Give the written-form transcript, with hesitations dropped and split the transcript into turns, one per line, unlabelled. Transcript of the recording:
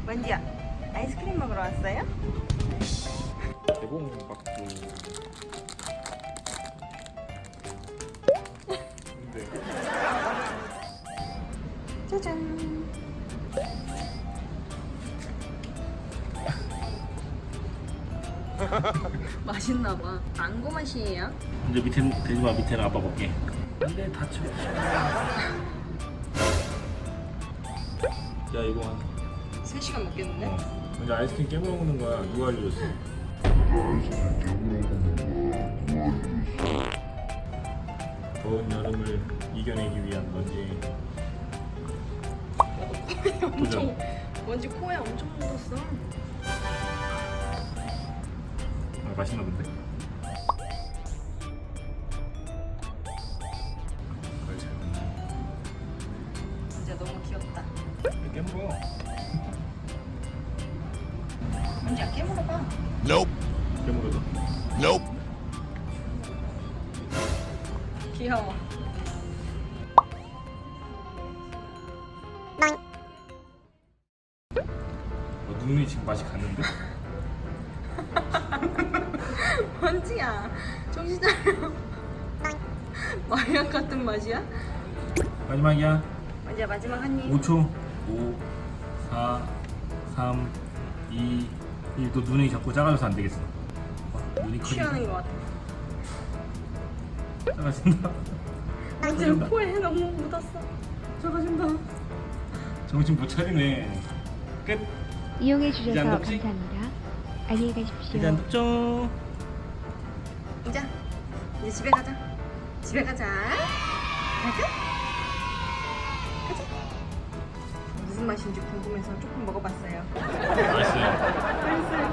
원지야, 아이스크림 먹으러 왔어요?
개봉박두. 근데
짜잔. 맛있나봐. 망고 맛이에요.
이제 밑에 돼지마 밑에는 아빠 볼게. 안돼 다쳐. 야 이거 한
3시간 먹겠는데?
먼저 아이스크림 깨물어 먹는 거야. 누가 알려줬어? 더운 여름을 이겨내기 위한 건지. 도전.
원지 코에 엄청 묻었어.
아, 맛있나 본데? 그걸 잘 먹네.
진짜 너무 귀엽다.
깨물어.
원지야, 깨물어봐.
깨물어도.
귀여워.
눈이 지금 맛이 갔는데?
원지야, 정신 차려. 마약 같은 맛이야?
마지막이야.
원지야, 마지막 한 입.
5초. 5, 4, 3, 2, 1. 또 눈이 자꾸 작아져서 안 되겠어. 눈이
취하는 것 같아.
작아진다.
원지야, 코에 너무 묻었어.
작아진다. 정신 못 차리네. 끝.
이용해
이제
주셔서
안 덥지?
감사합니다. 안녕히 가십시오.
이제 안 덥죠?
이제 집에 가자. 집에 가자. 가자. 가자. 무슨 맛인지 궁금해서 조금 먹어봤어요.
맛있어요.
맛있어요.